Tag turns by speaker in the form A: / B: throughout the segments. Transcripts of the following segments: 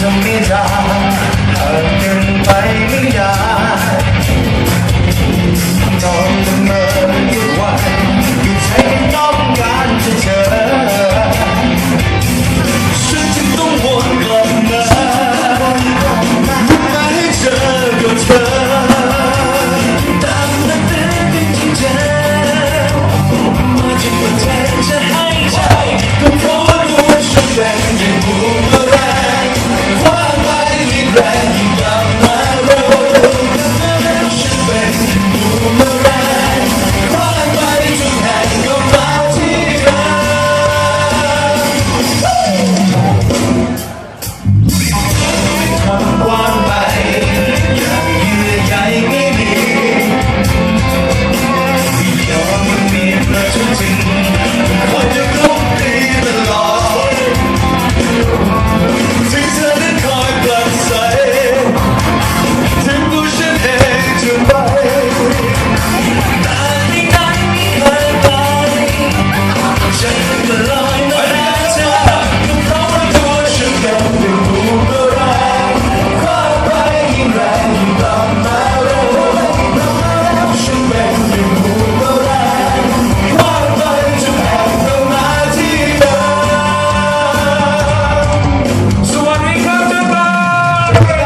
A: จะไม่ได้ห่างกันไปไม่ได้ต้องเมื่อกี่วันที่ใจต้องการจะเจอฉันจึงต้องวนกลับมาให้เจอกับเธอตามนัดเดินเป็นจริงจังมาที่ประเทศจะให้ใจก็เพราะว่ารู้ว่าฉันเป็นอย่างบูมเมอแรงคว้าไปยิ่งแรงยิ่งกลับมาเร็วฉันเป็นบูมเมอแรงคว้าไปทุกแห่งก็มาที่เดิมทำกว้างไปอย่างเยื่อใยไม่มีที่ยอมมันมีประจุจริงคอยจะกลบตีตลอดที่เธอนั้นคอยปลัดใสถึงตัวฉันเองจะไปแต่ที่ไหนไม่เคยไปฉันก็ลอยมาแล้วเธอก็เพราะว่าตัวฉันเป็นหนึ่งบูมเมอแรงคว้าไปยิ่งแรงยิ่งกลับมาเร็วฉันเป็นหนึ่งบูมเมอแรงคว้าไปทุกแห่งก็มาที่เดิมสวัสดีครับทุกคนสวัสดี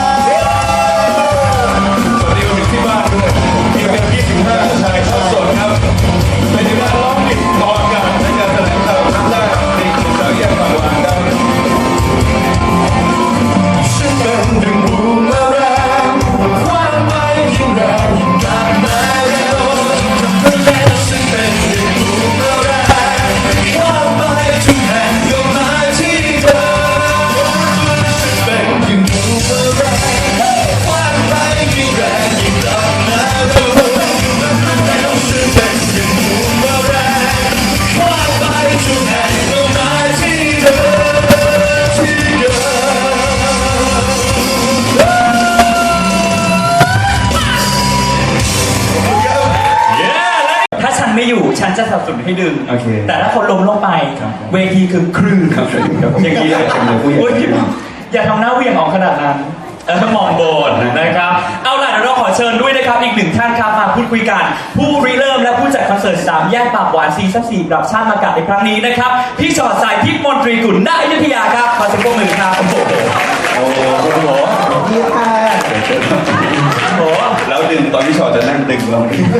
A: วันที่บ้านด้วยมีกัน25ชายทอดสดครับเป็นการร้องผิดตอนกันในการแถลงข่าวครั้งแรกในกลุ่มเราแยกปากหวานครับฉันเป็นหนึ่งบูมเมอแรงคว้าไปยิ่งแรงยิ่งกลับมาเร็วฉันเป็นหนึ่งบูมเมอแรงคว้าไปทุกแห่งก็มาที่เดิมฉันเป็นหนึ่งบูมเมอแรงคว้าไปยิ่งแรงยิ่งกลับมาเร็วฉันเป็นหนึ่งบูมเมอแรงคว้าไปทุกแห่งก็มาที่เดิมที่เดิม
B: ถ้าฉันไม่อยู่ฉันจะสนับสนุนให้ดึง
C: โอเค
B: แต่ถ้าคนล้มลงไป
C: ครับ
B: เวทีคือคลื่น
C: ครับอย่างนี้เลยเป็นเลยผู้ใหญ่
B: โอ๊ยอย่าทำหน้าเหวี่ยงออกขนาดนั้นมองโบนนะครับ เอาล่ะเดี๋ยวเราขอเชิญด้วยนะครับอีกหนึ่งท่านครับมาพูดคุยกัน ผู้ริเริ่มและผู้จัดคอนเสิร์ต3แยกปากหวานซีซั่น4ปรับชาติมากาศในครั้งนี้นะครับพี่ชอดสายทิพย์มนตรีกุลณอยุธยาครับขอเสียงปรบมือครับโอ้โห
C: โอ้โหคุณหมอ
A: พี่ค่ะ
B: โอ้โห
C: แล้วดึงตอนที่ชอตจะนั่งดึงเรา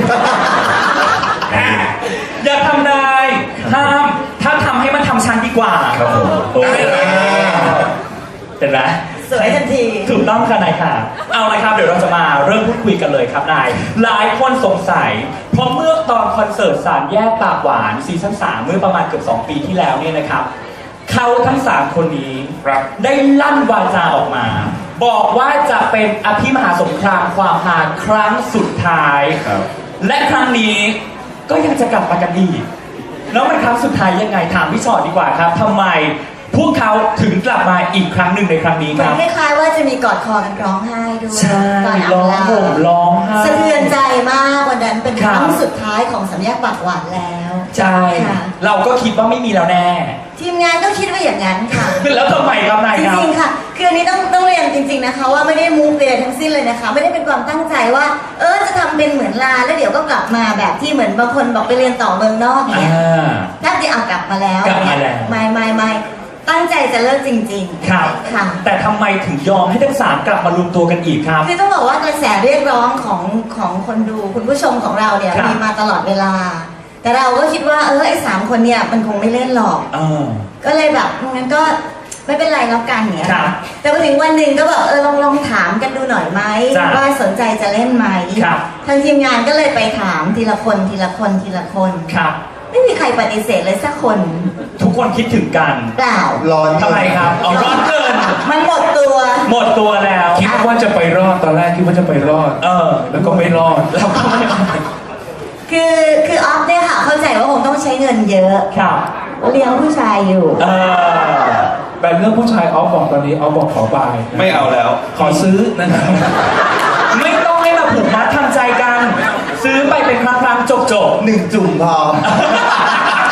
B: อย่าทำนายห้ามถ้าทำให้มันทำชั้นดีกว่า
C: ครับผม
B: โอ้ยเป็นไร
D: สวยทันที
B: ถูกต้องค่ะนายค่ะ เอาละครับเดี๋ยวเราจะมาเริ่มพูดคุยกันเลยครับนาย หลายคนสงสัยเพราะเมื่อตอนคอนเสิร์ต3แยกปากหวานซีซั่น3เมื่อประมาณเกือบ2 ปีที่แล้วเนี่ยนะครับเขาทั้ง3คนนี้ได้ลั่นวาจาออกมา บอกว่าจะเป็นอภิมหาสงครามความฮาครั้งสุดท้าย
C: ครับ
B: และครั้งนี้ก็ยังจะกลับมากันอีกแล้วมันครั้งสุดท้ายยังไงถามพี่ชอตดีกว่าครับทำไมพวกเขาถึงกลับมาอีกครั้งหนึ่งในครั้งนี้
D: เหมื
B: ค
D: อน
B: รับ
D: คล้ายๆว่าจะมีกอดคอกันร้องไห้ด้วย
B: ใช่
D: ก่อน
B: ร้อง
D: ลา
B: ห่มร้องไห้
D: สะเทือนใจมากวันนั้นเป็น
B: ค
D: ครับ รั้งสุดท้ายของสามแยกปากหวานแล้ว
B: ใช่
D: ค่ะ
B: เราก็คิดว่าไม่มีแล้วแน่
D: ทีมงานก็คิดว่าอย่างนั้นค่ะ
B: แล้วทำไมครับนาย
D: จ
B: ครับ
D: ริงๆค่ะ คืออันนี้ต้องเรียนจริง ๆนะคะ ว่าไม่ได้มุกเลยทั้งสิ้นเลยนะคะ ไม่ได้เป็นความตั้งใจว่า จะทำเป็นเหมือนลาแล้วเดี๋ยวก็กลับมาแบบที่เหมือนบางคนบอกไปเรียนต่อเมืองนอกเนี่ย ถ้าจะเอากลับมาแล้ว
B: กลับมาแล้ว
D: ไม่ตั้งใจจะเลิกจริงๆ
B: ครับ
D: ค่ะ
B: แต่ทำไมถึงยอมให้ทั้ง3กลับมารวมตัวกันอีกครับ
D: คือต้องบอกว่ากระแสเรียกร้องของคนดูคุณผู้ชมของเราเนี่ย
B: ครับ
D: มีมาตลอดเวลา แต่เราก็คิดว่าไอ้3 คนเนี่ยมันคงไม่เล่นหรอก ก็เลยแบบงั้นก็ไม่เป็นไรแล้วกันเนี่ย
B: ครับ
D: แต่พอถึงวันหนึ่งก็แบบลองถามกันดูหน่อยไหม
B: จ้ะ
D: ว่าสนใจจะเล่นไหม
B: ครับ
D: ทางทีมงานก็เลยไปถามทีละคนทีละคนทีละคน
B: ครับ
D: ไม่มีใครปฏิเสธเลยสักคน
B: ทุกคนคิดถึงกัน
D: เปล่า
A: ร้อน
B: ทำไมครับเอาร้อนเกิน
D: มันหมดตัว
B: หมดตัวแล้ว
E: คิดว่าจะไปรอดตอนแรกคิดว่าจะไปรอด แล้วก็ไม่รอด
B: แล้วก็ไม่
D: คือออฟเนี่ยค่ะเข้าใจว่าคงต้องใช้เงินเยอะ
B: ครับ
D: เลี้ยงผู้ชายอยู่
E: แต่เรื่องผู้ชายออฟบอกตอนนี้ออฟบอกขอบาย
C: ไม่เอาแล้ว
E: ขอซื้อนะครับ
B: ไม่ต้องให้มาผูกมัดทำใจกัน ซื้อไปเป็นครั้งๆจบ
A: 1 จุ่มพอ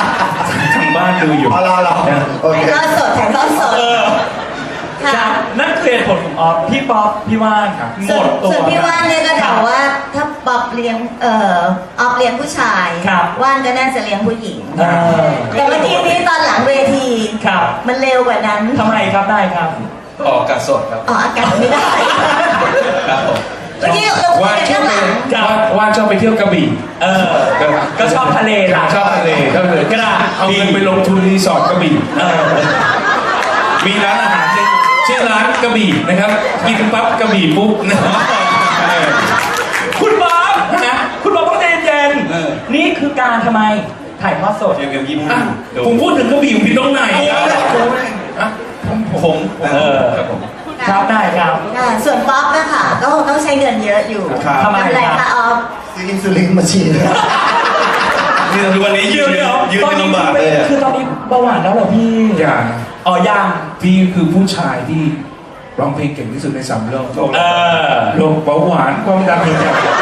E: ทางบ้านดูอยู่
A: เอาละโอเค
D: ถ่ายทอดสด
B: ๆ
D: ค่ะ
B: นั่นคือเหตุผลของออฟพี่ป๊อปพี่ว่านหมดตัว
D: ส่วนพี่ว่านเนี่ยก็เดาว่าถ้าป๊อปเลี้ยงออฟเลี้ยงผู้ชาย
B: ครับ
D: ว่านก็น่าจะเลี้ยงผู้หญิง
B: เออ
D: แต่เมื่อกี้นี้ตอนหลังเวที
B: ครับ
D: มันเร็วกว่านั้น
B: ทำไมครับได้ครับ
C: ออกอากาศสดครับ
D: ออกอากาศไม่ได้
C: ครับผม
D: เมื่อกี้เราคุ
E: ว่าย
D: กัน
E: ชอ
D: ข้า
E: บ
D: งห
E: ไป
D: ลัง
E: ว่านชอบไปเที่ยวกระบี่
B: เออ ก็ชอบทะเลล่ะ
E: ชอบทะเลชอบทะเล
B: กระดาษ
E: เอาเงินไปลงทุนรีสอร์ทกระบี่
B: เออ
E: มีร้านอาหารชื่อร้านกระบี่นะครับกินปั๊บกระบี่ปุ๊บนะครับเออ
B: คุณบ๊อบนะคุณบ๊อบต้องใจเย็น
C: เออ
B: ๆนี่คือการทำไมถ่ายทอดสด
C: เกม25
E: อ่ะผมพูดถึงกระบี่อยู่ที่ตรงไหนอ่ะอ่ะผม
B: เออ
C: ครับผม
B: ครับได้ครับ
D: ค่ะส่วนป๊อปนะคะก็คงต้องใช้เงินเยอะอยู่
C: ครับ
B: ทำไม
D: ทำอะไร
B: ครั
D: คะ
B: บ
D: ออฟ
A: ซื้ออินซูลินมาฉีด
C: นี่คือวันนี้ยืนยืน
B: ตอน
C: กัน
B: นี้
C: ลำบากเลยอะ
B: คือตอนนี้เบาหวานแล้วเหรอพี่
E: อย่า
B: อ๋อยัง
E: พี่คือผู้ชายที่ร้องเพลงเก่งที่สุดในสามโลก
B: เออ
E: โรคเบาหวานความดันหัวใจ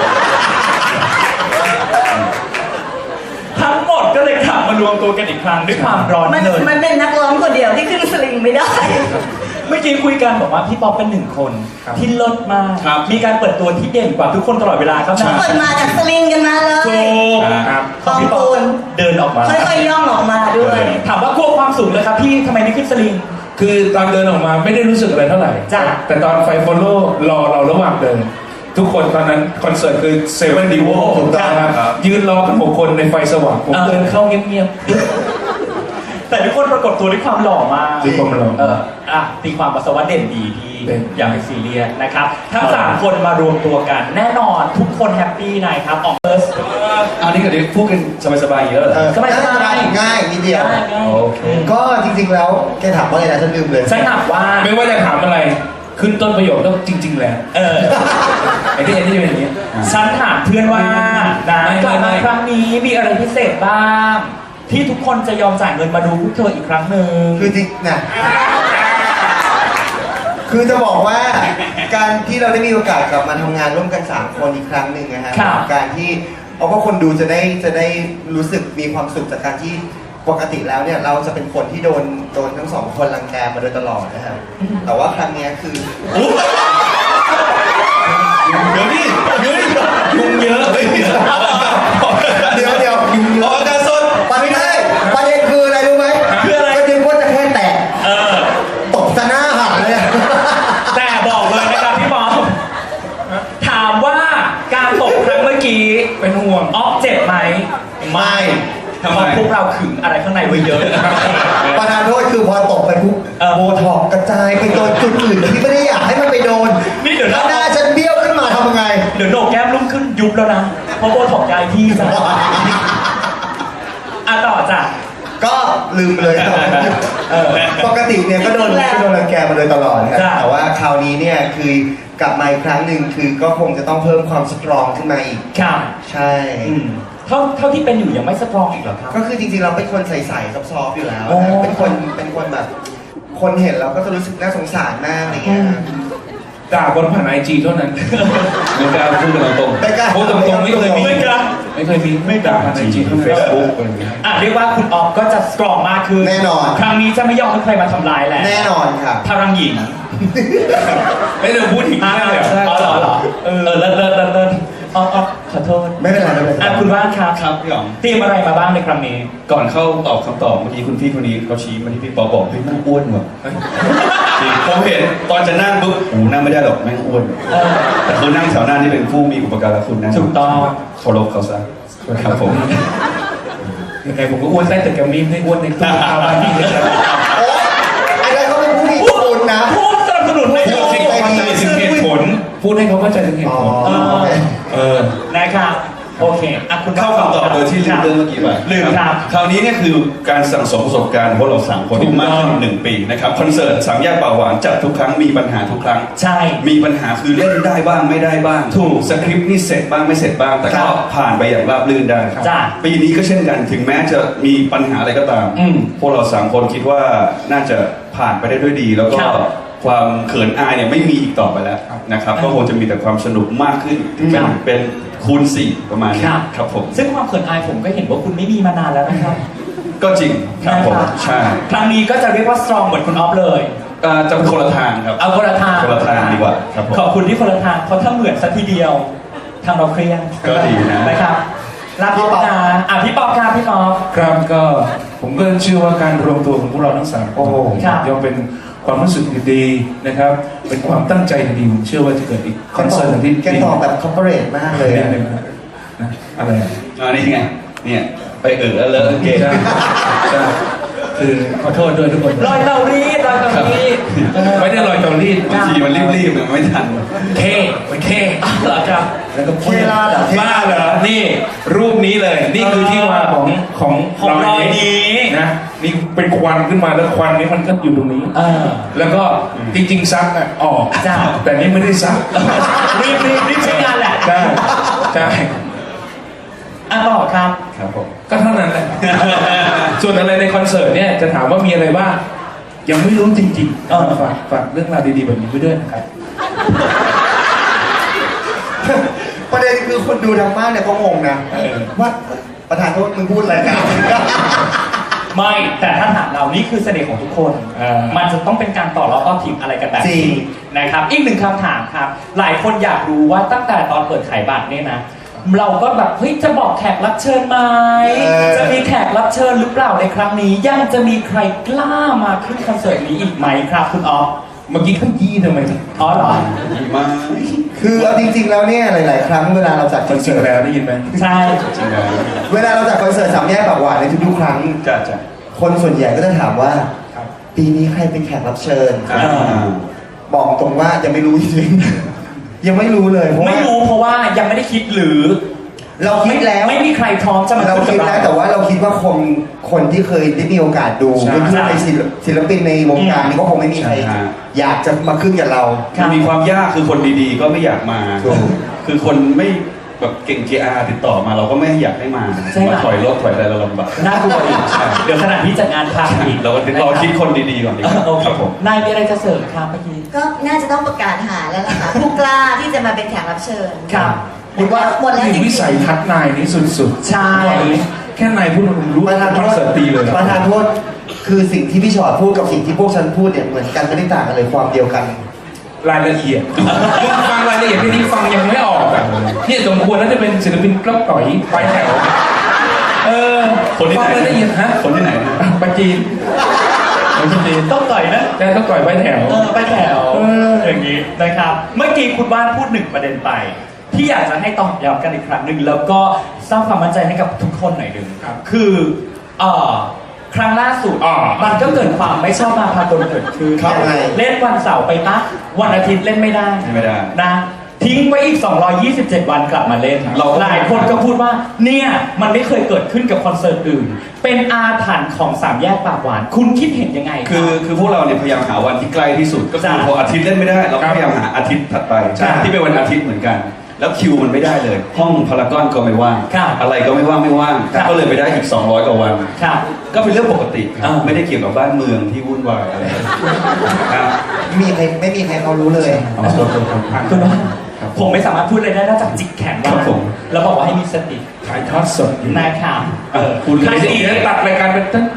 B: ทั้งหมดก็เลยกลับมารวมตัวกันอีกครั้งด้วยความร้อน
D: มัน
B: เงิน
D: มันเป็นนักร้องคนเดียวที่ขึ้นสลิงไม่ได้
B: เมื่อกี้คุยกันบอกว่าพี่ป๊อปเป็นหนึ่งคนที่เลิศมาก
C: ครับ
B: มีการเปิดตัวที่เด่นกว่าทุกคนตลอดเวลาครับ
D: ทุกคนมาจากสลิงกันมาเลย
B: ถูก
E: ครับ
B: ของพี่ป๊อปเดินออกมา
D: ค่อยๆย่องออกมาด้วย
B: ถามว่ากลัวความสูงเลยครับพี่ทำไมไม่ขึ้นสลิง
E: คือตอนเดินออกมาไม่ได้รู้สึกอะไรเท่าไหร่
B: จ้ะ
E: แต่ตอนไฟฟอลโล่รอเราระหว่างเดิน ทุกคนตอนนั้นคอนเสิร์ตคือเซเว่นดีโว
C: ถูกต้อง
E: ครับยืนรอกัน6 คนในไฟสว่างผมเดินเข้าเงียบ
B: แต่ทุกคนปรากฏตัวด้วยความหล่อมาก
E: ด้วยความหล่อ
B: ตีความปัสสาวะเด่นดีพี่
E: เด่น
B: อย่าไปซีเรียสนะครับ ทั้งสามคนมารวมตัวกัน แน่นอนทุกคนแฮปปี้นะครับออกเฟิร์ส
C: อันนี้ก็เดี๋ยวพูดกันสบายๆอย่างนี้แล้วเหรอ
B: สบายๆ
A: ง่ายนิดเดียว
C: โอเค
A: ก็จริงๆแล้วแกถามว่าไงนะฉันลืมเลย
B: ฉันถามว่า
E: ๆไม่ว่าจะถามอะไร ขึ้นต้นประโยคต้องจริง ๆ แล้ว
B: เออ
E: ไอ้ที่เป็นอย่างนี้
B: ฉันถามเพื่อนว่านะ
E: ไม่
B: กลับ
E: ไม่
B: มาครั้งนี้มีอะไรพิเศษบ้าง ที่ทุกคนจะยอมจ่ายเงินมาดูพวกเธออีกครั้งหนึ่ง
A: คือจริงนะคือจะบอกว่าการที่เราได้มีโอกาสกลับมาทำงานร่วมกัน 3 คนอีกครั้งหนึ่งนะฮะ
B: ครับ
A: การที่เอาว่าคนดูจะได้รู้สึกมีความสุขจากการที่ปกติแล้วเนี่ยเราจะเป็นคนที่โดนทั้งสองคนรังแกมาโดยตลอดนะครับแต่ว่าครั้งเนี้ยคือ
C: เดี๋ยวนี่เดี๋ยวนี่ยุงเยอะเฮ้ย
A: เดี๋ยวยุงเย
C: ออก
A: อะ
C: อากาศสด
A: ประเด็นประเด็นคืออะไรรู้ไหม
B: คืออะไร
A: ประเด็นว่าจะแค่แตะ
B: เออ
A: ตบซะหน้าหักเลยอะ
B: แต่บอกเลยนะครับพี่บอมถามว่าการตกครั้งเมื่อกี้
E: เป็นห่วง
B: ออฟเจ็บไหม
A: ไม่
B: เพราะพวกเราขึงอะไรข้างในไว้เยอะ
A: ประธานโทษคือพอตกไปปุ๊บ
B: เออ
A: โบท็อกซ์กระจายไปโดนจุดอื่นที่ไม่ได้อยากให้มันไปโดน
B: นี่เดี๋ยว
A: แล้
B: นะ
A: วหน้าฉันเบี้ยวขึ้นมาทำยังไง
B: เดี๋ยวโหนกแก้มลุ่มขึ้นยุบแล้วนะ เพราะโบถอกยายพี่จ้ะอ่ะต่อจ้ะ
A: ก็ลืมไปเลย
B: เออ
A: ปกติเนี่ยก็โดนรังแกมาโดยตลอดนะครับ
B: จ้ะ
A: แต่ว่าคราวนี้เนี่ยคือกลับมาอีกครั้งหนึ่งคือก็คงจะต้องเพิ่มความสตรองขึ้นมาอีก
B: ครับ
A: ใช่
B: อืมเท่าที่เป็นอยู่ยังไม่สตรองอีกเหรอครับ
A: ก็คือจริงๆเราเป็นคนใสๆซอฟๆอยู่แล้ว
B: โอ้
A: นะเป็นคนแบบ คนเห็นเราก็จะรู้สึกน่าสงสารมากอะไรเงี้ยนะ
E: ด่าบนผ่านไอจีเท่านั้น
C: ไม่กล้าพูดกันตรง
A: ไม่กล้า
E: พูดตรงๆไม่เคยมี
B: ไม่กล้า
E: ไม่เคยมีไม่ด่าผ่านไอจีเท่านั้น
C: เฟซบุ๊กอะไรอย่างเงี้ย
B: อ่ะเรียกว่าคุณออฟก็จะสตรองมากขึ้น
A: แน่นอน
B: ครั้งนี้จะไม่ยอมให้ใครมาทำร้ายแล้ว
A: แน่นอนค่ะ
B: พลังหญิง
E: ไม่เดี๋ยวพูดถึง
B: อ่ะ
E: นั่นเลย
B: อ๋อเหรอเออเลิศออฟขอโทษ
A: ไม่เป็นไรไม่เป็นไร
B: อ่ะคุณว่านครับ
C: ครับพี่อ๋อง
B: เตรียมอะไรมาบ้างในครั้งนี้
C: ก่อนเข้าตอบคำตอบเมื่อกี้คุณพี่คนนี้เขาชี้มาที่พี่ปอบอกเฮ้ยนั่งอ้วนว่ะจริงผมเห็นตอนจะนั่งปุ๊บโอ้นั่งไม่ได้หรอกแม่งอ้วน
B: เออ
C: แต่คือนั่งแถวหน้านี่เป็นผู้มีอุปการะคุณนะ
B: ถูกต้อง
C: เคารพเขาซะครับผม
E: ยังไงผมก็อ้วนได้แต่แกมีไม่อ้วนในตู้ข้าวบ้านพี่เลยนะ
A: โอ๊ยไอ้นั่นเขาเป็นผู้มีบุญนะ
B: ผู้สนับสนุนให้
E: พู
B: ดู
E: ดให้เขาเข้าใจถึงเหตุผล พูดให้เขาเข้าใจถึงเหตุผล
A: อ๋อโอเค
E: เออ
B: นะครับโอเคอ่ะคุณ
C: เข้าคำตอบโดยที่ลืมเรื่องเมื่อกี้ไป
B: ลืมครับ
C: คราวนี้เนี่ยคือการสั่งสมประสบการณ์ของพวกเราสามคนที่มากขึ้น1 ปีนะครับคอนเสิร์ต3 แยกป่าหวานจัดทุกครั้งมีปัญหาทุกครั้ง
B: ใช่
C: มีปัญหาคือเล่นได้บ้างไม่ได้บ้าง
B: ถูก
C: สคริปต์นี่เสร็จบ้างไม่เสร็จบ้าง แต่
B: ครั
C: ก็
B: บ
C: ผ่านไปอย่างราบรื่นได้
B: จ้ะ
C: ปีนี้ก็เช่นกันถึงแม้จะมีปัญหาอะไรก็ตาม
B: อืม
C: พวกเรา3 คนคิดว่าน่าจะผ่านไปได้ด้วยดี แล้วก็
B: ครับ
C: ความเขินอายเนี่ยไม่มีอีกต่อไปแล้วนะครับก็คงจะมีแต่ความสนุกมากขึ้นถึง
B: ครับ
C: เป็นคูณ4ประมาณนี้ครับผม
B: ซึ่งความเขินอายผมก็เห็นว่าคุณไม่มีมานานแล้วนะครับ
C: ก็จริงครับผม
B: นะครับ
C: ใช่
B: ครั้งนี้ก็จะเรียกว่าสตรองเหมือนคุณออฟเลย
C: จะเป็นคนละทางครับ
B: เอาคนละทาง
C: คนละทางดีกว่าครับผม
B: ขอบคุณที่คนละทางเพราะถ้าเหมือนสัทีเดียวทางเราเครียด
C: ก็ดีนะ
B: นะครับรับพี่ปอบนะพี่ปอบครับพี่ปอบ
E: ครับก็ผมก็เชื่อว่าการรวมตัวของพวกเราทั้งสามคน
B: ครับ
E: ย่อมเป็นความรู้สึกดีๆนะครับ เป็นความตั้งใจดีๆผมเชื่อว่าจะเกิดอีกคอนเสิร์ตที่
F: แกตอบแบบคอร์ปอเรทมากเลย
E: นิด
F: อะ
E: นึงนะอะไรอ่ะ
C: นี่ไงเนี่ยไปแล้วเลอะเกง
E: ใช่ใช่คือขอโทษด้วยทุกคน
B: รอยเตารีดรอยเตารีด
E: ไม่ได้ลอยเตารีด
C: บางทีมันรีบๆมันไม่ทัน
E: มันแค่
B: เหรอครับ
E: แล้วก็
F: เคลาดเหรอ
E: บ้าเหรอนี่รูปนี้เลยนี่คือที่มาของ
B: ของรอยนี้
E: นะนี่เป็นควันขึ้นมาแล้วควันนี้มันก็อยู่ตรงนี้ แล้วก็จริงๆซักอ่ะออก
B: จ้ะ
E: แต่นี่ไม่ได้ซัก
B: รีบใช้งานแหละ
E: ใช่ใช่
B: ต่อครับ
C: ครับผม
E: ก็เท่านั้นแหละ ส่วนอะไรในคอนเสิร์ตเนี่ยจะถามว่ามีอะไรบ้างยังไม่รู้จริงๆฝากเรื่องราวดีๆแบบนี้ไว้ด้วยนะครับ
F: ประเด็นคือคนดูทางบ้านเนี่ยก็งงนะว่าประธานโทษมึงพูดอะไรกัน
B: ไม่แต่ถ้าถามเรานี่คือเสน่ห์ของทุกคน มันจะต้องเป็นการต่อล้อต่อทีมอะไรกันแบบ
F: จริ
B: นี้
F: ง
B: นะครับอีกหนึ่งคำถามครับ หลายคนอยากรู้ว่าตั้งแต่ตอนเปิดขายบัตรเนี่ยนะ เราก็แบบเฮ้ยจะบอกแขกรับเชิญไหมจะมีแขกรับเชิญหรือเปล่าในครั้งนี้ ยังจะมีใครกล้ามาขึ้นคอนเสิร์ตนี้อีกไหมครับคุณออฟ
E: เมื่อกี้ขยี้ทำไม
B: อ๋อเหรอ
C: ดีมาก
F: คือเอาจริง ๆ แล้วเนี่ยหลาย ๆ ครั้งเวลาเราจัดค
E: จ
F: อนเสิ
E: ริง
F: ร์ต
E: ๆแล้วได้ยินไหม
B: ใช่
C: จริงๆแล้ว
F: เวลาเราจัดคอนเสิร์ตสามแยกปากหวานในทุกๆครั้ง
C: จ้ะ
F: คนส่วนใหญ่ก็จะถามว่า
E: ครับ
F: ปีนี้ใครเป็นแขกรับเชิญ
C: อ่า
F: บอกตรงว่ายังไม่รู้จริงๆ ยังไม่รู้เลยเพราะ
B: ไม่
F: ว่า
B: รู้เพราะว่ายังไม่ได้คิดหรือ
F: เราคิดแล้ว
B: ไม่มีใครพร้อมจะมา
F: เรา
B: ขึ้น
F: คิด
B: กับ
F: แล้วแต่ว่าเราคิดว่าคนที่เคยได้มีโอกาสดู
E: ใช่
F: เพื่อนๆในศิลปินในวงการนี้ก็คงไม่มีใคร
C: ใช่
F: อยากจะมาขึ้นกับเรา
C: มันมีความยากคือคนดีๆ ก็ไม่อยากมา
F: ถูก
C: คือคนไม่แบบเก่ง GR ติดต่อมาเราก็ไม่อยากให้มา
B: ใช่ไหม
C: มาถอยรถถอยอะไรเราลำบาก
B: น่ากลัวอีกเดี๋ยวขณะที่จัดงานพังอีก
C: เรารอคิดคนดีๆก่อนดีกว่า
B: โอเค
C: ครับผม
B: นายมีอะไรจะเสริมครับเมื่อกี้
D: ก็น่าจะต้องประกาศหาแล้วล่ะค่ะ ผู้กล้าที่จะมาเป็นแขกรับเชิญ
B: ครับ
D: หมดแล้วจริง
E: วิสัยทัศน์นายนี่สุดๆ
B: ใช่
E: แค่นายพูดผมรู้
F: ประธาน
E: ค
F: โท
E: อน
F: ษ
E: เสิร์ตตีเลย
F: ประธานโทษคือสิ่งที่พี่ชอดพูดกับสิ่งที่พวกฉันพูดเนี่ยเหมือนกันไม่ได้ต่างกันเลยความเดียวกัน
E: รายละเอียดฟังรายละเอียดที่นี่ฟังยังไม่ออกอ่ะเนี่ยสมควรแล้วจะเป็นศิลปินกล้องต่อยไปแถว
C: คนที่
E: ฟั
C: ไหน
E: งรายละเอียดฮะ
C: คนที่ไหนนะ
E: ปาจีนคนจีน
B: ต้องต่อยนะ
E: ใช่ต้องต่อยไปแถว
B: ไปแถวอย่างนี้นะครับ เมื่อกี้คุณว่านพูดหนึ่งประเด็นไป ที่อยากจะให้ตอบย้ำกันอีกครั้งหนึ่งแล้วก็สร้างความมั่นใจให้กับทุกคนหน่อยหนึ่ง
E: ครับ
B: คือครั้งล่าสุด มันก็เกิดความไม่ชอบมาพากลเกิดขึ้น
F: ครับไง
B: เล่นวันเสาร์ไปปะวันอาทิตย์เล่นไม่ได้
C: ไม่ได้
B: นะทิ้งไว้อีก 227 วันกลับมาเล่น
C: เรา
B: หลายคนก็พูดว่าเนี่ยมันไม่เคยเกิดขึ้นกับคอนเสิร์ตอื่น เป็นอาถรรพ์ของสามแยกปากหวาน คุณคิดเห็นยังไง
C: คือพวกเราเนี่ยพยายามหาวันที่ใกล้ที่สุดก็คือ
B: จ้ะ
C: พออาทิตย์เล่นไม่ได้เราก็พยายามหาอาทิตย์ถัดไป
B: ใช่
C: ที่เป็นวันอาทิตย์เหมือนกัน แล้วคิวมันไม่ได้เลย ห้องพารากอนก็ไม่ว่าง
B: ครับ
C: อะไรก็ไม่ว่าง
B: ครับ
C: ก็เลยไปได้อีก 200 กว่าวัน
B: ครับ
C: ก็เป็นเรื่องปกติครับ
B: อ่า
C: ไม่ได้เกี่ยวกับบ้านเมืองที่วุ่นวายอะไรครับ
F: ไม่มีใครเขารู้เลย
C: เอาตัวตรงๆ
B: คุณว่าผมไม่สามารถพูดอะไรได้นอกจากจิกแขน
C: ครั
B: ว่า
C: บผม
B: แล้วบอกว่าให้มีสติ
E: ถ่ายทอดสดอยู่
B: นะครับ
C: คุณ
E: ถ่ายดีแล้วตัดรายการเป็นต้น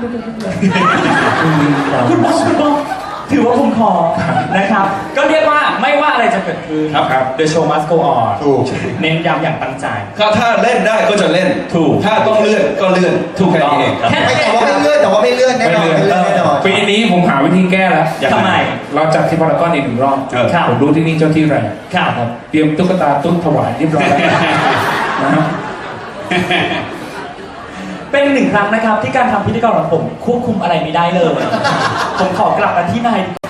B: คุณบอกถือว่าผมขอนะครับ ก็เรียกว่าไม่ว่าอะไรจะเกิดขึ้น
C: ครับ
B: The show must go on
F: ถูก
B: เน้นย้ำอย่างตั้งใจ
C: ก็ถ้าเล่นได้ก็จะเล่น
B: ถูก
C: ถ้าต้องเลื่อนก็เลื่อน
B: ถูกต้อง
C: แค่นี้เองครับ
B: แค่
F: ไม่แต่ว่าไม่เลื่อนแต่ว่าไม่เลื่อนแน่นอนไม่เลื่อนแน่นอน
E: ปีนี้ผมหาวิธีแก้แล้ว
C: ยังไง
B: ทำไม
E: เราจัดที่พารากอนอีกหนึ่งรอบ
B: ครับ
E: ผมรู้ที่นี่เจ้าที่แรง
B: ครับ
E: เตรียมตุ๊กตาตุ๊กถวายเรียบร้อยแล้วนะฮะ
B: เป็นหนึ่งครั้งนะครับที่การทำพิธีกรของผมควบคุมอะไรไม่ได้เลย ผมขอกลับมาที่นาย